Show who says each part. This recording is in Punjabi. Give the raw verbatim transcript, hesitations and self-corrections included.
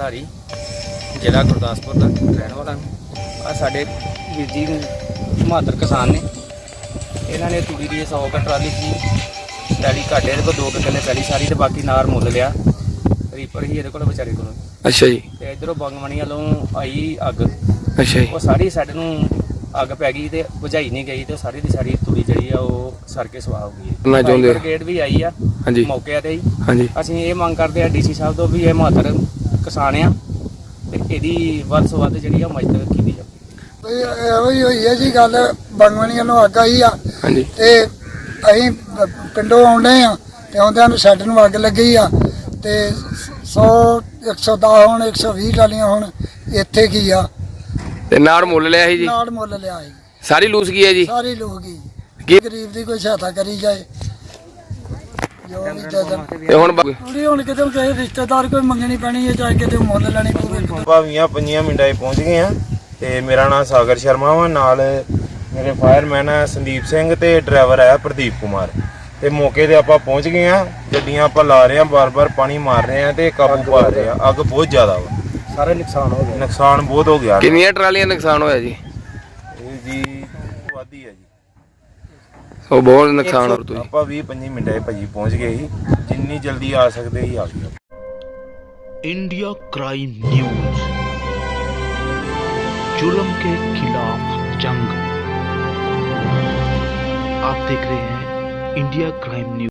Speaker 1: ਧਾਰੀ, ਜ਼ਿਲ੍ਹਾ ਗੁਰਦਾਸਪੁਰ ਦਾ ਰਹਿਣ ਵਾਲਾ। ਆ ਸਾਡੇ ਵੀਰ ਜੀ ਬਹਾਦਰ ਕਿਸਾਨ ਨੇ, ਇਹਨਾਂ ਨੇ ਤੂੜੀ ਦੀ ਸੌ ਕੁ ਟਰਾਲੀ ਸੀ ਪੈਲੀ ਘਾਟੇ ਇਹਦੇ ਕੋਲ ਦੋ ਕੁ ਕਿੱਲੇ ਪੈਲੀ ਸਾਰੀ, ਤੇ ਬਾਕੀ ਨਾਰ ਮੁੱਲ ਲਿਆ। ਰੀਪਰ ਹੀ ਇਹਦੇ ਕੋਲ ਵਿਚਾਰੇ ਕੋਲ।
Speaker 2: ਅੱਛਾ ਜੀ।
Speaker 1: ਤੇ ਇਧਰੋਂ ਬੰਗਮਣੀ ਵੱਲੋਂ ਆਈ ਅੱਗ।
Speaker 2: ਅੱਛਾ ਜੀ।
Speaker 1: ਉਹ ਸਾਰੀ ਸਾਡੇ ਨੂੰ ਅੱਗ ਪੈ ਗਈ ਤੇ ਬੁਝਾਈ ਨਹੀਂ ਗਈ, ਤੇ ਸਾਰੀ ਦੀ ਸਾਰੀ ਤੂੜੀ ਜਿਹੜੀ ਆ ਉਹ ਸੜ ਕੇ ਸਵਾਹ ਹੋ ਗਈ।
Speaker 2: ਕਰਨਾ ਚਾਹੁੰਦੇ
Speaker 1: ਬ੍ਰਿਗੇਡ ਵੀ ਆਈ ਆ
Speaker 2: ਹਾਂਜੀ
Speaker 1: ਮੌਕੇ ਤੇ ਹੀ।
Speaker 2: ਹਾਂਜੀ।
Speaker 1: ਅਸੀਂ ਇਹ ਮੰਗ ਕਰਦੇ ਆ ਡੀਸੀ ਸਾਹਿਬ ਤੋਂ ਵੀ ਇਹ ਬਹਾਦਰ ਕਿਸਾਨ ਆ ਤੇ ਇਹਦੀ ਵੱਧ ਤੋਂ ਵੱਧ ਜਿਹੜੀ ਆ ਮਦਦ ਕੀਤੀ ਜਾਵੇ।
Speaker 3: ਇਹੋ ਹੀ ਹੋਈ ਹੈ ਜੀ ਗੱਲ, ਬੰਗਵਣੀਆਂ ਨੂੰ ਅੱਗ ਆਈ ਆ
Speaker 2: ਹਾਂਜੀ
Speaker 3: ਤੇ ਅਸੀਂ ਪਿੰਡੋਂ ਆਉਂਦੇ ਆ ਤੇ ਆਉਂਦਿਆਂ ਨੂੰ ਸਾਡੇ ਨੂੰ ਅੱਗ ਲੱਗੀ ਆ ਤੇ ਸੌ ਇੱਕ ਸੌ ਦਸ ਹੁਣ ਇੱਕ ਸੌ ਵੀਹ ਟਾਲੀਆਂ ਹੁਣ ਇੱਥੇ ਕੀ ਆ
Speaker 2: ਤੇ ਨਾੜ ਮੁੱਲ ਲਿਆ ਸੀ ਜੀ,
Speaker 3: ਨਾੜ ਮੁੱਲ ਲਿਆ ਸੀ
Speaker 2: ਸਾਰੀ ਲੂਸ ਗਈ ਹੈ ਜੀ।
Speaker 3: ਸਾਰੇ ਲੋਕ ਹੀ
Speaker 2: ਕੀ
Speaker 3: ਗਰੀਬ ਦੀ ਕੋਈ ਸਹਾਇਤਾ ਕਰੀ ਜਾਏ ਜੋ ਵੀ ਜਦਨ
Speaker 2: ਤੇ ਹੁਣ ਬ-
Speaker 3: ਥੋੜੀ ਹੁਣ ਕਿਤੇ ਕਿਸੇ ਰਿਸ਼ਤੇਦਾਰ ਕੋਈ ਮੰਗਣੀ ਪੈਣੀ ਹੈ ਚਾਹੇ ਕਿਤੇ ਮੁੱਲ ਲੈਣੀ ਪਵੇ।
Speaker 4: ਭਾਵੀਆਂ ਪੰਜੀਆਂ ਮਿੰਟਾਂ 'ਚ ਪਹੁੰਚ ਗਏ ਆ ਤੇ ਮੇਰਾ ਨਾਮ ਸਾਗਰ ਸ਼ਰਮਾ ਵਾ, ਨਾਲ ਮੇਰੇ ਫਾਇਰਮੈਨ ਆ ਸੰਦੀਪ ਸਿੰਘ ਤੇ ਡਰਾਈਵਰ ਆ ਪ੍ਰਦੀਪ ਕੁਮਾਰ। ਤੇ ਮੌਕੇ ਤੇ ਆਪਾਂ ਪਹੁੰਚ ਗਏ ਆ, ਗੱਡੀਆਂ ਆਪਾਂ ਲਾ ਰਹੇ ਆ, ਬਾਰ-ਬਾਰ ਪਾਣੀ ਮਾਰ ਰਹੇ ਆ ਤੇ ਕਾਬੂ ਪਾ ਰਹੇ ਆ। ਅੱਗ ਬਹੁਤ ਜ਼ਿਆਦਾ ਵਾ,
Speaker 1: ਸਾਰਾ ਨੁਕਸਾਨ ਹੋ ਗਿਆ।
Speaker 4: ਨੁਕਸਾਨ ਬਹੁਤ ਹੋ ਗਿਆ।
Speaker 2: ਕਿੰਨੀਆਂ ਟਰਾਲੀਆਂ ਨੁਕਸਾਨ ਹੋਇਆ ਜੀ?
Speaker 4: ਇਹ ਜੀ ਵਾਦੀ ਆ ਜੀ।
Speaker 2: ਉਹ ਬਹੁਤ ਨੁਕਸਾਨ ਹੋ ਤੁਸੀਂ।
Speaker 4: ਆਪਾਂ ਵੀਹ ਪੱਚੀ ਮਿੰਟਾਂ 'ਚ ਭਾਜੀ ਪਹੁੰਚ ਗਏ ਸੀ, ਜਿੰਨੀ ਜਲਦੀ ਆ ਸਕਦੇ ਸੀ ਆ ਗਏ।
Speaker 5: इंडिया क्राइम न्यूज, जुर्म के खिलाफ जंग। आप देख रहे हैं इंडिया क्राइम न्यूज।